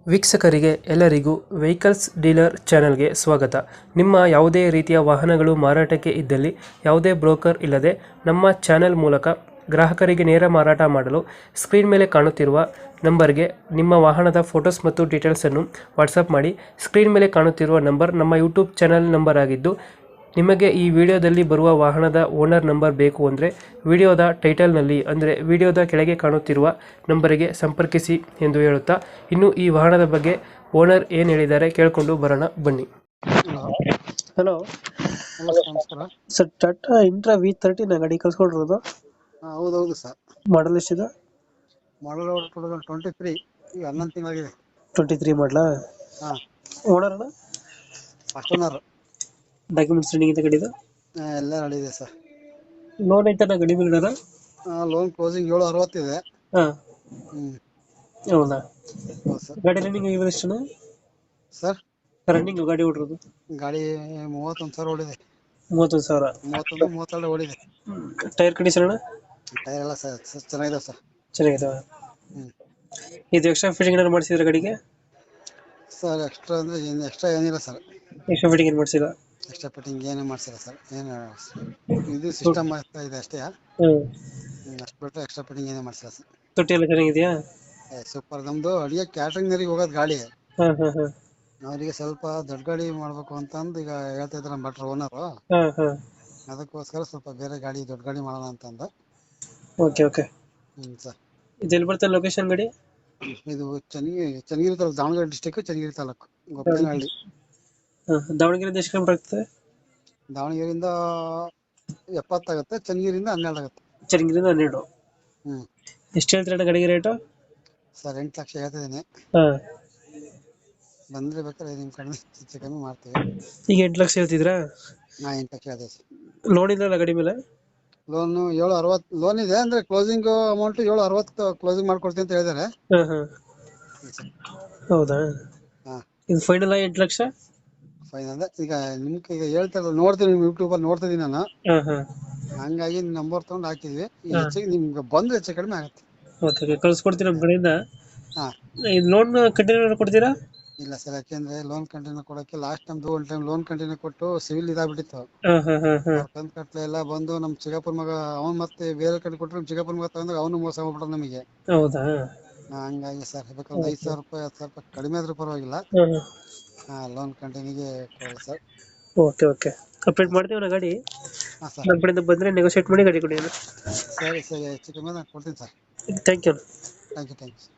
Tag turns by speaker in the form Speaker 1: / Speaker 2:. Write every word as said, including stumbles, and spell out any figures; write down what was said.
Speaker 1: ವೀಕ್ಷಕರಿಗೆ ಎಲ್ಲರಿಗೂ vehicles dealer ಚಾನೆಲ್ಗೆ ಸ್ವಾಗತ. ನಿಮ್ಮ ಯಾವುದೇ ರೀತಿಯ ವಾಹನಗಳು ಮಾರಾಟಕ್ಕೆ ಇದ್ದಲ್ಲಿ ಯಾವುದೇ ಬ್ರೋಕರ್ ಇಲ್ಲದೆ ನಮ್ಮ ಚಾನೆಲ್ ಮೂಲಕ ಗ್ರಾಹಕರಿಗೆ ನೇರ ಮಾರಾಟ ಮಾಡಲು ಸ್ಕ್ರೀನ್ ಮೇಲೆ ಕಾಣುತ್ತಿರುವ ನಂಬರ್ಗೆ ನಿಮ್ಮ ವಾಹನದ ಫೋಟೋಸ್ ಮತ್ತು ಡೀಟೇಲ್ಸನ್ನು ವಾಟ್ಸಪ್ ಮಾಡಿ. ಸ್ಕ್ರೀನ್ ಮೇಲೆ ಕಾಣುತ್ತಿರುವ ನಂಬರ್ ನಮ್ಮ ಯೂಟ್ಯೂಬ್ ಚಾನೆಲ್ ನಂಬರ್ ಆಗಿದ್ದು, ನಿಮಗೆ ಈ ವಿಡಿಯೋದಲ್ಲಿ ಬರುವ ವಾಹನದ ಓನರ್ ನಂಬರ್ ಬೇಕು ಅಂದರೆ ವಿಡಿಯೋದ ಟೈಟಲ್ನಲ್ಲಿ ಅಂದರೆ ವಿಡಿಯೋದ ಕೆಳಗೆ ಕಾಣುತ್ತಿರುವ ನಂಬರಿಗೆ ಸಂಪರ್ಕಿಸಿ ಎಂದು ಹೇಳುತ್ತಾ, ಇನ್ನು ಈ ವಾಹನದ ಬಗ್ಗೆ ಓನರ್ ಏನು ಹೇಳಿದ್ದಾರೆ ಕೇಳಿಕೊಂಡು ಬರೋಣ ಬನ್ನಿ. ಹಲೋ
Speaker 2: ನಮಸ್ಕಾರ.
Speaker 1: Sir, Tata intra V thirty ನಾ ಗಾಡಿ ಕಳ್ಸ್ಕೊಂಡಿರೋದು.
Speaker 2: ಹಾ, ಹೌದೌದು ಸರ್.
Speaker 1: ಮಾಡಲ್ ಎಷ್ಟಿದೆ?
Speaker 2: Model two thousand twenty three ಈಗ ಹನ್ನೊಂದು ತಿಂಗಳಾಗಿದೆ.
Speaker 1: ಟ್ವೆಂಟಿ ತ್ರೀ ಮಾಡಲಾ?
Speaker 2: ಹಾ,
Speaker 1: ಓನರ್ ಅಣ್ಣ?
Speaker 2: First owner.
Speaker 1: ಡಾಕ್ಯುಮೆಂಟ್ಸ್ ರನ್ನಿಂಗ್ ಇದೆ ಗಾಡಿದು?
Speaker 2: ಎಲ್ಲ ರೆಡಿ ಇದೆ ಸರ್.
Speaker 1: ಲೋನ್ ಐತೆ ನಾ ಗಾಡಿ ಮೇಲೆ?
Speaker 2: ಲೋನ್ ಕ್ಲೋಸಿಂಗ್ ಏಳು ಅರವತ್ತಿದೆ.
Speaker 1: ಹಾಂ,
Speaker 2: ಹ್ಮ್
Speaker 1: ಹೌದಾ?
Speaker 2: ಹೌದು ಸರ್.
Speaker 1: ಗಾಡಿ ರನ್ನಿಂಗ್ ಇವೆ ಎಷ್ಟು
Speaker 2: ಸರ್,
Speaker 1: ರನ್ನಿಂಗ್ ಗಾಡಿ ಓಡಿರೋದು?
Speaker 2: ಗಾಡಿ ಮೂವತ್ತೊಂದು ಸಾವಿರ ಓಡಿದೆ.
Speaker 1: ಮೂವತ್ತೊಂದು ಸಾವಿರ?
Speaker 2: ಮೂವತ್ತೊಂದು ಮೂವತ್ತೆರಡು ಓಡಿದೆ.
Speaker 1: ಟೈರ್ ಕಂಡೀಷನ್ ಅಣ್ಣ?
Speaker 2: ಟೈರ್ ಎಲ್ಲ ಸರ್ ಚೆನ್ನಾಗಿದೆ ಸರ್.
Speaker 1: ಚೆನ್ನಾಗಿದಾವೆ.
Speaker 2: ಹ್ಮ್
Speaker 1: ಇದು ಎಕ್ಸ್ಟ್ರಾ ಫಿಟ್ಟಿಂಗ್ ಏನಾದ್ರು ಮಾಡಿಸಿದ್ರೆ ಗಾಡಿಗೆ?
Speaker 2: ಸರ್, ಎಕ್ಸ್ಟ್ರಾ ಅಂದ್ರೆ ಏನು ಎಕ್ಸ್ಟ್ರಾ ಏನಿಲ್ಲ ಸರ್.
Speaker 1: ಎಕ್ಸ್ಟ್ರಾ ಫಿಟ್ಟಿಂಗ್ ಏನು ಮಾಡಿಸಿಲ್ಲ?
Speaker 2: ಎಕ್ಸ್ಟ್ರಾ ಫಿಟ್ಟಿಂಗ್ ಏನೇ ಮಾಡ್ಸಿಲ್ಲ ಸರ್. ಏನು ಇದು ಸಿಸ್ಟಮ್ ಆಗ್ತಾ ಇದೆ ಅಷ್ಟೇ.
Speaker 1: ಹ್ಞೂ.
Speaker 2: ಹ್ಮ್ ಅಷ್ಟು ಬಿಟ್ಟರೆ ಎಕ್ಸ್ಟ್ರಾ ಫಿಟ್ಟಿಂಗ್ ಏನೇ ಮಾಡ್ಸಿಲ್ಲ ಸರ್.
Speaker 1: ತೊಟ್ಟಿ ಎಲ್ಲ ಚೆನ್ನಾಗಿದೆಯಾ?
Speaker 2: ಏ ಸೂಪರ್. ನಮ್ದು ಅಡಿಗೆ ಕ್ಯಾಟ್ರಿಂಗ್ನವ್ರಿಗೆ ಹೋಗೋದು ಗಾಡಿ.
Speaker 1: ಹಾಂ ಹಾಂ ಹಾಂ
Speaker 2: ಅವರಿಗೆ ಸ್ವಲ್ಪ ದೊಡ್ಡ ಗಾಡಿ ಮಾಡ್ಬೇಕು ಅಂತಂದು ಈಗ ಹೇಳ್ತಾ ಇದ್ದಾರೆ ನಮ್ಮ ಭಟ್ರು ಓನರು.
Speaker 1: ಹಾಂ ಹಾಂ
Speaker 2: ಅದಕ್ಕೋಸ್ಕರ ಸ್ವಲ್ಪ ಬೇರೆ ಗಾಡಿ ದೊಡ್ಡ ಗಾಡಿ ಮಾಡೋಣ ಅಂತಂದ.
Speaker 1: Okay okay.
Speaker 2: ಹ್ಞೂ ಸರ್.
Speaker 1: ಇದು ಎಲ್ಲಿ ಬರ್ತದೆ ಲೊಕೇಶನ್ ಗಾಡಿ?
Speaker 2: ಇದು ಚನ್ನಗಿರಿ ಚನ್ನಗಿರಿ ತಾಲೂಕು, ದಾವಣಗೆರೆ ಡಿಸ್ಟಿಕ್, ಚನ್ನಗಿರಿ ತಾಲೂಕು, ಗೊಪ್ಪನಹಳ್ಳಿ.
Speaker 1: ಹಾಂ, ದಾವಣಗೆರೆಯಿಂದ ಎಷ್ಟು ಕಿಲೋಮೀಟರ್ ಆಗ್ತದೆ?
Speaker 2: ದಾವಣಗೆರೆಯಿಂದ ಎಪ್ಪತ್ತಾಗುತ್ತೆ, ಚನ್ನಗಿರಿಯಿಂದ ಹನ್ನೆರಡು ಆಗುತ್ತೆ.
Speaker 1: ಚನ್ನಗಿರಿಯಿಂದ ಹನ್ನೆರಡು.
Speaker 2: ಹ್ಞೂ
Speaker 1: ಎಷ್ಟು ಹೇಳ್ತೀರಣ್ಣ ಗಾಡಿಗೆ ರೇಟು?
Speaker 2: ಸರ್, ಎಂಟು ಲಕ್ಷ ಹೇಳ್ತಿದ್ದೀನಿ.
Speaker 1: ಹಾಂ,
Speaker 2: ಬಂದರೆ ಬೇಕಾದ್ರೆ ನಿಮ್ಮ ಕಡೆ ಹೆಚ್ಚು ಕಮ್ಮಿ ಮಾಡ್ತೀವಿ.
Speaker 1: ಈಗ ಎಂಟು ಲಕ್ಷ ಹೇಳ್ತಿದ್ರಾ?
Speaker 2: ಹಾಂ, ಎಂಟು ಲಕ್ಷ ಹೇಳ್ತೀವಿ ಸರ್.
Speaker 1: ಲೋನ್ ಇಲ್ಲ ಗಾಡಿ ಮೇಲೆ?
Speaker 2: ಲೋನು ಏಳು ಅರವತ್ತು ಲೋನ್ ಇದೆ. ಅಂದರೆ ಕ್ಲೋಸಿಂಗ್ ಅಮೌಂಟು ಏಳು ಅರವತ್ತು ಕ್ಲೋಸಿಂಗ್ ಮಾಡ್ಕೊಡ್ತೀನಿ ಅಂತ ಹೇಳಿದ್ದಾರೆ.
Speaker 1: ಹಾಂ ಹಾಂ ಹೌದಾ?
Speaker 2: ಹಾಂ,
Speaker 1: ಇದು ಫೈನಲ್ ಎಂಟು ಲಕ್ಷ
Speaker 2: ಫೈನ್ ಅಂದ್ರೆ ಈಗ ನಿಮ್ಗೆ ಈಗ ಹೇಳ್ತಾರಲ್ಲ, ನೋಡ್ತೀನಿ ನಿಮ್ಮ ಯೂಟ್ಯೂಬಲ್ಲಿ ನೋಡ್ತಿದ್ದೀನಿ ನಾನು.
Speaker 1: ಹಾಂ ಹಾಂ
Speaker 2: ಹಂಗಾಗಿ ನಂಬರ್ ತೊಗೊಂಡು ಹಾಕಿದ್ವಿ. ಈಗ
Speaker 1: ಹಾ.
Speaker 2: ಹೆಚ್ಚಿಗೆ ನಿಮ್ಗೆ ಬಂದ್ರೆ ಹೆಚ್ಚು ಕಡಿಮೆ ಆಗುತ್ತೆ.
Speaker 1: ಓಕೆ ಓಕೆ, ಕಳ್ಸ್ಕೊಡ್ತೀನಿ ನಮ್ಮ ಕಡೆಯಿಂದ.
Speaker 2: ಹಾಂ,
Speaker 1: ಇದು ಲೋನ್ ಕಂಟಿನ್ಯೂ ಕೊಡ್ತೀರಾ?
Speaker 2: ಇಲ್ಲ ಸರ್, ಯಾಕೆಂದ್ರೆ ಲೋನ್ ಕಂಟಿನ್ಯೂ ಕೊಡೋಕ್ಕೆ ಲಾಸ್ಟ್ ನಮ್ದು ಒಂದು ಟೈಮ್ ಲೋನ್ ಕಂಟಿನ್ಯೂ ಕೊಟ್ಟು ಸಿವಿಲ್ ಇದಾಗ್ಬಿಟ್ಟಿತ್ತು.
Speaker 1: ಹಾಂ ಹಾಂ ಹಾಂ ಹಾಂ
Speaker 2: ಅವ್ರ ಕಂತು ಕಟ್ಲೆ ಎಲ್ಲ ಬಂದು ನಮ್ಮ ಚಿಕ್ಕಪ್ಪನ ಮಗ ಅವ್ನು ಮತ್ತೆ ಬೇರೆ ಕಡೆ ಕೊಟ್ಟರು. ನಮ್ಮ ಚಿಕ್ಕಪ್ಪನ ಮಗ ತಗೊಂಡಾಗ ಅವನು ಮೋಸ ಮಾಡ್ಬಿಟ್ರು ನಮಗೆ.
Speaker 1: ಹೌದಾ?
Speaker 2: ಹಾ, ಹಂಗಾಗಿ ಸರ್ ಬೇಕಾದ್ರೆ ಐದು ಸಾವಿರ ರೂಪಾಯಿ ಹತ್ತು ಸಾವಿರ ರೂಪಾಯಿ ಕಡಿಮೆ ಆದ್ರೂ ಪರವಾಗಿಲ್ಲ.
Speaker 1: ಹಾಂ ಹಾಂ
Speaker 2: ಹಾಂ, ಲೋನ್ ಕಂಟಿನ್ಯೂಗೆ ಕೊಡೋಲ್ಲ ಸರ್.
Speaker 1: ಓಕೆ ಓಕೆ, ಅಪ್ಡೇಟ್ ಮಾಡ್ತೀವಿ ನಾ ಗಾಡಿ.
Speaker 2: ಹಾಂ ಸರ್,
Speaker 1: ನಮ್ಮ ಕಡೆಯಿಂದ ಬಂದರೆ ನೆಗೋಷಿಯೇಟ್ ಮಾಡಿ ಗಾಡಿ ಕೊಡಿ.
Speaker 2: ಸರಿ ಸರಿ ಹೆಚ್ಚು ಕಮ್ಮಿ ನಾನು ಕೊಡ್ತೀನಿ sir.
Speaker 1: Thank you.
Speaker 2: Thank you thank you